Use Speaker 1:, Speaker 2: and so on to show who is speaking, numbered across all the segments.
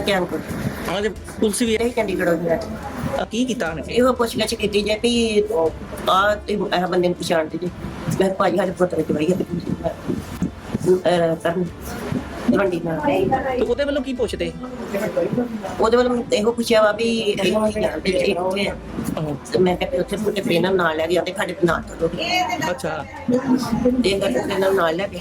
Speaker 1: ਸੁਲਤਾਨਪੁਰ
Speaker 2: ਹਾਂ ਤੇ ਪੁਲਿਸ ਵੀ
Speaker 1: ਇਹ ਚੰਡੀਗੜ੍ਹ ਹੋ ਗਿਆ
Speaker 2: ਕੀ ਕੀਤਾ ਉਹਨੇ?
Speaker 1: ਇਹੋ ਪੁੱਛਗਿੱਛ ਕੀਤੀ ਜੇ ਵੀ ਆ ਤੇ ਇਹ ਬੰਦੇ ਨੂੰ ਪਛਾਣਦੇ ਜੇ ਮੈਂ ਭਾਜੀ ਸਾਡੇ ਪੁੱਤਰ ਦੀ ਵਈ ਹੈ ਕਰਨ ਤਲਵੰਡੀ ਨਾਲ
Speaker 2: ਤੇ ਉਹਦੇ ਵੱਲੋਂ ਕੀ ਪੁੱਛਦੇ?
Speaker 1: ਉਹਦੇ ਵੱਲ ਇਹੋ ਪੁੱਛਿਆ ਵਾ ਵੀ ਇਹਨੂੰ ਅਸੀਂ ਜਾਣਦੇ ਜੀ ਕਿੱਥੇ ਆ ਤੇ ਮੈਂ ਕਿਹਾ ਵੀ ਉੱਥੇ ਮੁੰਡੇ ਟ੍ਰੇਨਰ ਨਾਲ ਲੈ ਕੇ ਜਾਂਦੇ ਸਾਡੇ ਨਾਲ ਚੱਲੋ
Speaker 2: ਅੱਛਾ
Speaker 1: ਇਹ ਕਰਕੇ ਟ੍ਰੇਨਰ ਨਾਲ ਲੈ ਕੇ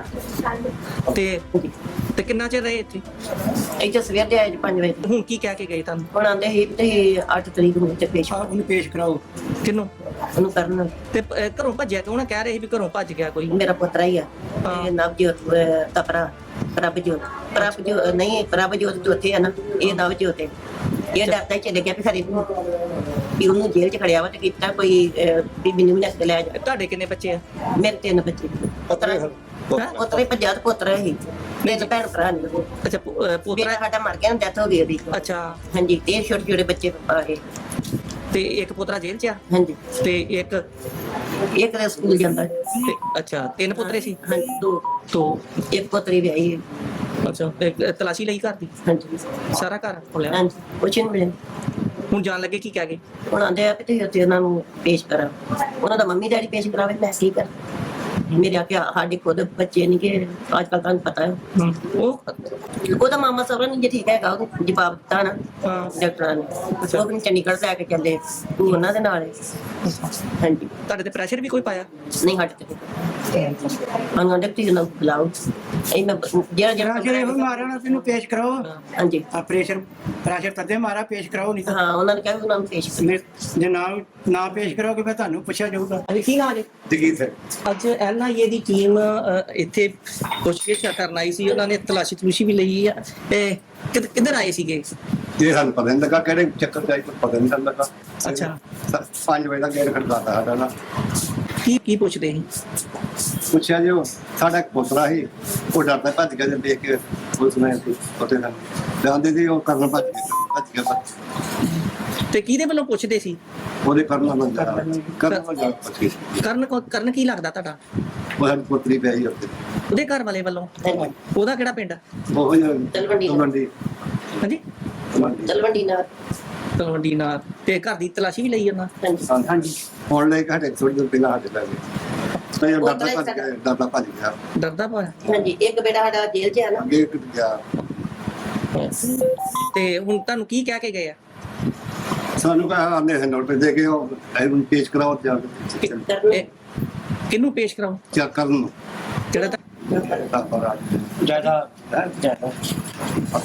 Speaker 2: ਤੇ ਕਿੰਨਾ ਚਿਰ ਰਹੇ ਇੱਥੇ?
Speaker 1: ਇੱਥੇ ਸਵੇਰ ਦੇ ਆਏ ਜੀ 5 ਵਜੇ
Speaker 2: ਹੁਣ ਕੀ ਕਹਿ ਕੇ ਗਏ ਤੁਹਾਨੂੰ?
Speaker 1: ਹੁਣ ਆਂਦੇ ਸੀ ਤੇ 8 ਤਰੀਕ ਨੂੰ ਇੱਥੇ ਪੇਸ਼
Speaker 3: ਉਹਨੂੰ ਪੇਸ਼ ਕਰਾਓ।
Speaker 2: ਕਿਹਨੂੰ?
Speaker 1: ਉਹਨੂੰ ਕਰਨ
Speaker 2: ਤੇ ਘਰੋਂ ਭੱਜਿਆ ਕਿਉਂ ਨਾ? ਕਹਿ ਰਹੇ ਸੀ ਵੀ ਘਰੋਂ ਭੱਜ ਗਿਆ ਕੋਈ।
Speaker 1: ਮੇਰਾ ਪੁੱਤਰਾ ਹੀ ਆ
Speaker 2: ਹਾਂ।
Speaker 1: ਇਹ ਨਵਜੋਤ ਤਪਰਾ ਪ੍ਰਭਜੋਤ ਨਹੀਂ ਪ੍ਰਭਜੋਤ ਚੌਥੇ ਆ ਨਾ ਇਹ ਨਵਜੋਤ ਹੈ ਇਹ ਡਰਦਾ ਹੀ ਚਲੇ ਗਿਆ ਵੀ ਖਰੇ ਵੀ ਉਹਨੂੰ ਜੇਲ੍ਹ ਚ ਖੜਿਆ ਵਾ ਤੇ ਕੀਤਾ ਕੋਈ ਵੀ ਮੈਨੂੰ ਵੀ ਲੈ ਕੇ ਲੈ ਜਾ।
Speaker 2: ਤੁਹਾਡੇ ਕਿੰਨੇ ਬੱਚੇ ਆ?
Speaker 1: ਮੇਰੇ 3 ਬੱਚੇ ਪੁੱਤਰਾ ਹੀ ਪੰਜਾਹ ਪੁੱਤਰਾ ਹੀ ਮੇਰੇ ਭੈਣ ਭਰਾ ਨੇ
Speaker 2: ਅੱਛਾ ਪੋਤਰਾ।
Speaker 1: ਮੇਰਾ ਸਾਡਾ ਮਰ ਗਿਆ ਡੈਥ ਹੋ ਗਈ ਉਹਦੀ
Speaker 2: ਅੱਛਾ
Speaker 1: ਹਾਂਜੀ ਤੇ ਛੋਟੇ ਛੋਟੇ ਬੱਚੇ ਆ ਗਏ
Speaker 2: ਤੇ ਇੱਕ ਪੋਤਰਾ ਜੇਲ੍ਹ 'ਚ ਆ
Speaker 1: ਹਾਂਜੀ
Speaker 2: ਤੇ ਇੱਕ
Speaker 1: ਇਹ ਕਦੇ ਸਕੂਲ ਜਾਂਦਾ
Speaker 2: ਤੇ ਅੱਛਾ 3 ਪੁੱਤਰੇ ਸੀ?
Speaker 1: ਹਾਂਜੀ ਦੋ ਇੱਕ ਪੁੱਤਰੀ ਵਿਆਹੀ ਹੈ
Speaker 2: ਅੱਛਾ ਤੇ ਤਲਾਸ਼ੀ ਲਈ ਘਰ ਦੀ?
Speaker 1: ਹਾਂਜੀ
Speaker 2: ਸਾਰਾ ਘਰ ਖੋਲਿਆ?
Speaker 1: ਹਾਂਜੀ ਕੁਛ ਨਹੀਂ ਮਿਲਿਆ
Speaker 2: ਹੁਣ ਜਾਣ ਲੱਗੇ ਕੀ ਕਹਿ ਗਏ?
Speaker 1: ਹੁਣ ਆਂਦੇ ਆ ਕਿ ਤੁਸੀਂ ਉੱਥੇ ਉਹਨਾਂ ਨੂੰ ਪੇਸ਼ ਕਰਾਂ ਉਹਨਾਂ ਦਾ ਮੰਮੀ ਡੈਡੀ ਪੇਸ਼ ਕਰਾਵੇ ਮੈਂ ਕੀ ਕਰ ਮੇਰੇ ਆ ਸਾਡੇ ਖੁਦ ਬੱਚੇ ਨਹੀਂ ਕਿ ਅੱਜ ਕੱਲ ਤੁਹਾਨੂੰ ਪਤਾ ਹੈ ਉਹਦਾ ਮਾਮਾ ਸਹੁਰਾ ਨਹੀਂ ਜੇ ਠੀਕ ਹੈਗਾ ਉਹ ਜਵਾਬ ਦਿੱਤਾ ਨਾ ਡਾਕਟਰਾਂ ਨੇ ਉਹ ਵੀ ਚੰਡੀਗੜ੍ਹ ਲੈ ਕੇ ਚੱਲੇ ਤੂੰ ਉਹਨਾਂ ਦੇ ਨਾਲ ਹੈ। ਹਾਂਜੀ
Speaker 2: ਤੁਹਾਡੇ ਤੇ ਪ੍ਰੈਸ਼ਰ ਵੀ ਕੋਈ ਪਾਇਆ?
Speaker 1: ਨਹੀਂ ਹਟ ਤੇ ਉਹਨਾਂ ਦੇ ਤੁਸੀਂ ਉਹਨਾਂ ਨੂੰ ਬੁਲਾਓ ਇਹ ਮੈਂ ਜਿਹੜਾ
Speaker 3: ਜਿਹੜੇ ਉਹ ਮਾਰਿਆ ਨਾ ਤੈਨੂੰ ਪੇਸ਼ ਕਰਾਓ।
Speaker 1: ਹਾਂਜੀ
Speaker 3: ਆ ਪ੍ਰੈਸ਼ਰ ਤਦੇ ਮਾਰਾ ਪੇਸ਼ ਕਰਾਓ ਨਹੀਂ ਤਾਂ
Speaker 1: ਹਾਂ ਉਹਨਾਂ ਨੇ ਕਿਹਾ ਵੀ ਉਹਨਾਂ ਨੂੰ ਪੇਸ਼
Speaker 3: ਜੇ ਨਾ ਪੇਸ਼ ਕਰੋਗੇ ਫਿਰ ਤੁਹਾਨੂੰ ਪੁੱਛਿਆ ਜਾਊਗਾ।
Speaker 2: ਅਜੇ ਕੀ ਨਾਮ ਹੈ?
Speaker 4: ਜਗੀਰ ਸਿੰਘ
Speaker 2: ਅੱਜ ਐਨਆਈਏ ਦੀ ਟੀਮ ਇੱਥੇ ਪੁੱਛਗਿੱਛ ਕਰਨ ਆਈ ਸੀ। ਉਹਨਾਂ ਨੇ ਤਲਾਸ਼ੀ ਵੀ ਲਈ ਆ ਤੇ ਕਿੱਧਰ ਆਏ ਸੀਗੇ?
Speaker 4: ਇਹ ਸਾਨੂੰ ਪਤਾ ਨਹੀਂ ਲੱਗਾ ਕਿਹੜੇ ਚੱਕਰ ਚ ਆਈ ਪਤਾ ਨਹੀਂ ਲੱਗਾ।
Speaker 2: ਅੱਛਾ
Speaker 4: 5 ਵਜੇ ਦਾ ਗੇਟ ਖੜਕਾਤਾ ਸਾਡਾ ਨਾ।
Speaker 2: ਕੀ ਪੁੱਛਦੇ ਸੀ?
Speaker 4: ਪੁੱਛਿਆ ਜੀ ਉਹ ਸਾਡਾ ਇੱਕ ਪੁੱਤਰਾ ਸੀ ਉਹ ਡਰਦਾ ਭੱਜ ਗਿਆ ਜੇ ਦੇਖ ਕੇ ਪੁਲਿਸ ਨੇ ਪਤੇ ਨਾਲ ਜਾਂਦੇ ਸੀ ਉਹ ਕਰਨ ਭੱਜ ਗਿਆ
Speaker 2: ਤੇ ਕਿਹਦੇ ਵੱਲੋਂ ਪੁੱਛਦੇ ਸੀ?
Speaker 4: ਉਹਦੇ ਕਰਨ ਨਾਲ ਪੁੱਛ ਗਈ
Speaker 2: ਕਰਨ ਕੀ ਲੱਗਦਾ ਤੁਹਾਡਾ?
Speaker 4: ਉਹ ਸਾਡੀ ਪੁੱਤਰੀ ਪਈ ਸੀ ਉੱਥੇ
Speaker 2: ਉਹਦੇ ਘਰ ਵਾਲੇ ਵੱਲੋਂ? ਉਹਦਾ ਕਿਹੜਾ ਪਿੰਡ?
Speaker 4: ਉਹ
Speaker 1: ਤਲਵੰਡੀ।
Speaker 2: ਹਾਂਜੀ
Speaker 1: ਤਲਵੰਡੀ ਨਾਲ
Speaker 2: ਤਲਵੰਡੀ ਨਾਲ। ਤੇ ਘਰ ਦੀ ਤਲਾਸ਼ੀ ਵੀ ਲਈ ਉਹਨਾਂ?
Speaker 4: ਹਾਂਜੀ ਹੁਣ ਲੈ ਕੇ ਥੋੜੀ ਦੇਰ ਪਹਿਲਾਂ ਸਾਡੇ ਲੈ ਗਏ ਤੇ ਡਰਦਾ ਭੱਜ ਗਿਆ
Speaker 2: ਡਰਦਾ ਪਿਆ?
Speaker 1: ਹਾਂਜੀ ਇੱਕ ਬੇਟਾ ਸਾਡਾ ਜੇਲ੍ਹ 'ਚ ਆ ਨਾ
Speaker 4: ਗੇਟ ਟੁੱਟ ਗਿਆ।
Speaker 2: ਤੇ ਹੁਣ ਤੁਹਾਨੂੰ ਕੀ ਕਹਿ ਕੇ ਗਏ ਆ?
Speaker 4: ਸਾਨੂੰ ਕਹਾ ਆਂਦੇ ਹਨ ਨੋਟ ਦੇ ਕੇ ਉਹ ਇਹਨੂੰ ਪੇਸ਼ ਕਰਾਓ ਜਾਂ
Speaker 2: ਕਿਹਨੂੰ ਪੇਸ਼ ਕਰਾਓ?
Speaker 4: ਚੈੱਕ ਕਰਨ ਨੂੰ
Speaker 2: ਜਿਹੜਾ
Speaker 4: ਤਾਂ
Speaker 3: ਜਿਆਦਾ